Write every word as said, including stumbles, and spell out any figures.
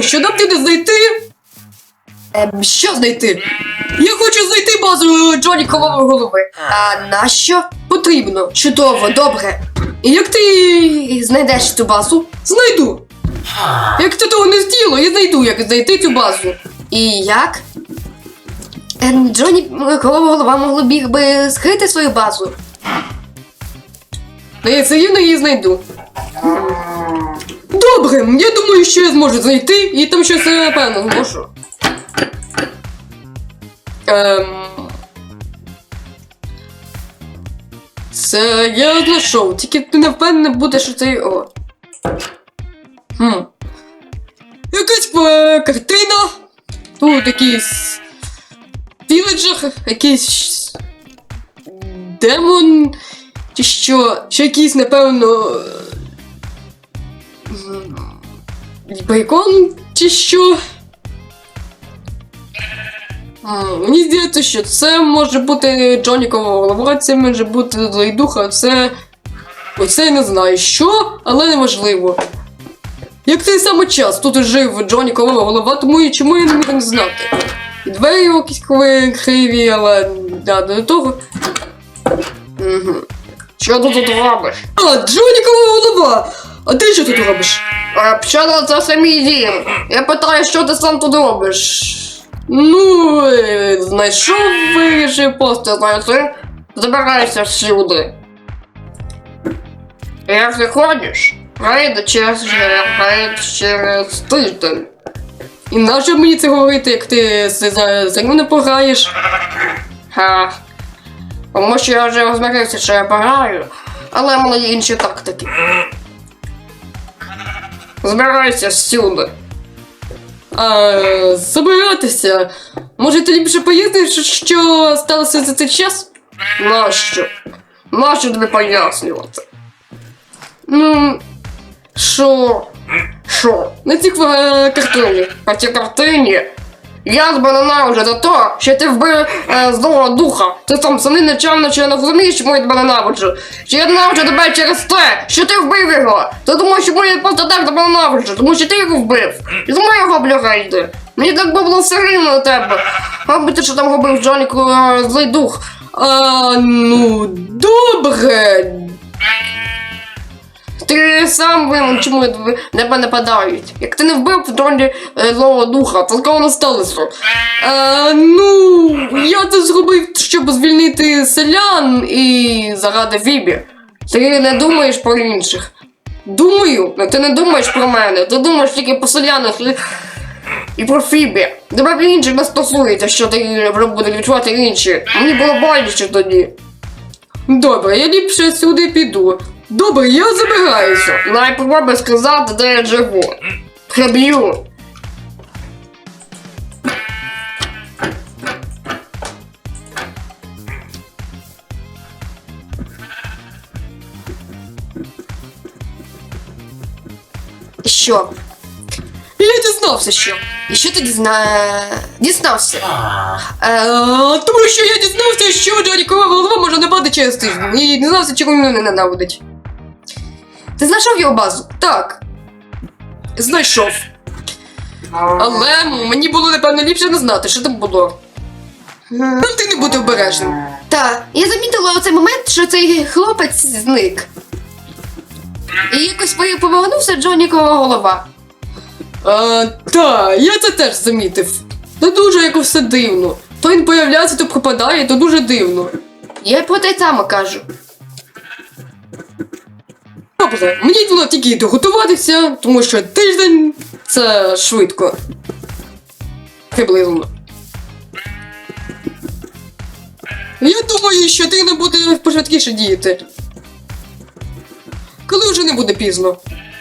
що нам треба знайти? Ем, що знайти? Я хочу знайти базу Джонікової голови. А нащо? Потрібно. Чудово, добре. І як ти знайдеш цю базу? Знайду. Як ти того не зробила, я знайду, як знайти цю базу. І як? Ем, Джонікова голова могла біг би скрити свою базу. Ну, я все рівно її знайду. Добре, я думаю, що я зможу знайти, і там щось, напевно, зможу. Ем... Це я знайшов, тільки ти не впевнений буде, що це його. Хм. Якась е, картина. Тут якийсь віледжер, якийсь демон, чи що, ще якийсь, напевно, бейкон, чи що. А, мені здається, що це може бути Джонікова голова, це може бути злий дух, а це... Оце я не знаю що, але неважливо. Як цей самий час тут жив Джонікова голова, тому і чому я не міг не знати. І двері якісь криві, але да, до того. Угу. Що ти тут робиш? А, Джонікова голова! А ти що тут робиш? А, що це самі дім? Я питаю, що ти сам тут робиш? Ну, е, знайшов, вирішив просто знайти. Забирайся всюди. Як ти ходиш? Прийде через, через тиждень. І нащо мені це говорити, як ти за мною не пограєш? Ха. Тому що я вже розмирився, що я пограю, але в мене є інші тактики. Збирайся всюди. А, забиратися? Може ти ліпше поясниш, що сталося за цей час? Нащо? Нащо тобі пояснювати? Ну... Що? Що? На цій картині. На цій картині? Я тебе ненавиджу за те, що ти вбив е, злого духа. Ти там самі нечемно, чи не розумієш, чому я тебе ненавиджу. Чи я ненавиджу тебе через те, що ти вбив його. Ти думаєш, чому я просто так тебе ненавиджу, тому що ти його вбив. І тому я його блюгайду. Мені так би було все рівно на тебе. Мабуть, ти що там робив Джоніку е, злий дух. А, ну, добре. Ти сам винен, чому тебе нападають. Як ти не вбив Джоні злого духа, то такого не сталося. А, ну, я це зробив, щоб звільнити селян і заради Фібі. Ти не думаєш про інших. Думаю, але ти не думаєш про мене. Ти думаєш тільки про селянах і, і про Фібі. Тебе про інших не стосується, що ти будуть відчувати інші. Мені було боляче тоді. Добре, я ліпше сюди піду. Добре, я забираюся. Найпробуй сказати, де я живу. Приб'ю. Що? Я дізнався, що. І що ти дізна... дізнався? Е, тому що я дізнався, що Джонікова голова може нападати через тиждень. І дізнався, чому мене не ненавидить. Ти знайшов його базу? Так. Знайшов. Але мені було, напевно, ліпше не знати, що там було. Ну, ти не будь обережним. Так, я замітила у цей момент, що цей хлопець зник. І якось повернувся Джонікова голова. А, так, я це теж замітив. Це дуже якось все дивно. То він появляється, то пропадає, то дуже дивно. Я про те саме кажу. Добре, мені було тільки доготуватися, тому що тиждень – це швидко. Приблизно. Я думаю, що ти не буде пошвидкіше діяти. Коли вже не буде пізно.